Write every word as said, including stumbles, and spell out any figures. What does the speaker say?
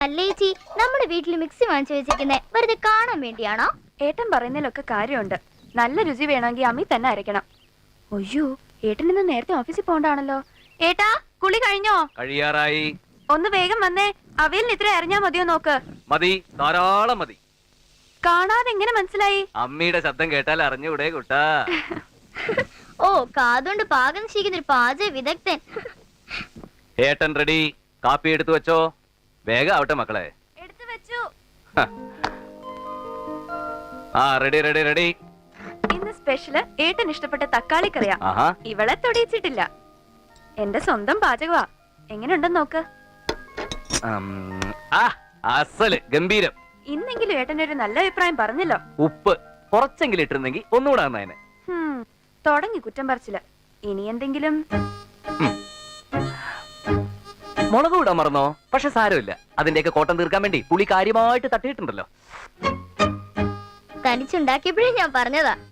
അല്ലേച്ചി, നമ്മുടെ വീട്ടിൽ മിക്സി വാങ്ങിച്ചു വെച്ചിരിക്കുന്നേ വെറുതെ കാണാൻ വേണ്ടിയാണോ? ഏട്ടൻ പറയുന്നതിലൊക്കെ കാര്യമുണ്ട്. നല്ല രുചി വേണമെങ്കിൽ അമ്മി തന്നെ അരയ്ക്കണം. ഒയ്യോ, ഏട്ടൻ ഇന്ന് നേരത്തെ ഓഫീസിൽ പോകണ്ടാണല്ലോ. ഏട്ടാ, കുളി കഴിഞ്ഞോ? കഴിയാറായി. ഒന്ന് വേഗം വന്നേ. അവയിൽ ഇത്ര അറിഞ്ഞാ മതിയോ നോക്ക്. മതി, ധാരാളം മതി. കാണാതെ എങ്ങനെ മനസ്സിലായി? അമ്മിയുടെ ശബ്ദം കേട്ടാൽ അറിഞ്ഞൂടെ കുട്ടാ? ഓ, കാതുകൊണ്ട് പാകം ചെയ്യുന്ന ഒരു പാചക വിദഗ്ധൻ. ഏട്ടൻ റെഡി. കാപ്പി എടുത്തു വെച്ചോ. വേഗം ആവട്ടെ മക്കളെ. എടുത്തു വെച്ചു. ആ, റെഡി റെഡി റെഡി. ഇന്ന് സ്പെഷ്യല് ഏട്ടൻ ഇഷ്ടപ്പെട്ട തക്കാളി കറിയാ. ആഹാ, ഇവളെ തൊടിയിച്ചിട്ടില്ല. എന്റെ സ്വന്തം പാചകവാ. എങ്ങനെയുണ്ടെന്ന് നോക്ക്. ആ, അസല് ഗംഭീരം. ഇന്നെങ്കിലും ഏട്ടനൊരു നല്ല അഭിപ്രായം പറഞ്ഞല്ലോ. ഉപ്പ് കുറച്ചെങ്കിലും ഇട്ടിരുന്നെങ്കിൽ ഒന്നുകൂടെ നന്നായേനെ. തുടങ്ങി കുറ്റം പറിച്ചില്ല. ഇനി എന്തെങ്കിലും മുളക് ഇടാൻ മറന്നോ? പക്ഷെ സാരമില്ല, അതിന്റെയൊക്കെ കോട്ടം തീർക്കാൻ വേണ്ടി പുളി കാര്യമായിട്ട് തട്ടിയിട്ടുണ്ടല്ലോ. തനിച്ചുണ്ടാക്കിയപ്പോഴേ ഞാൻ പറഞ്ഞതാ.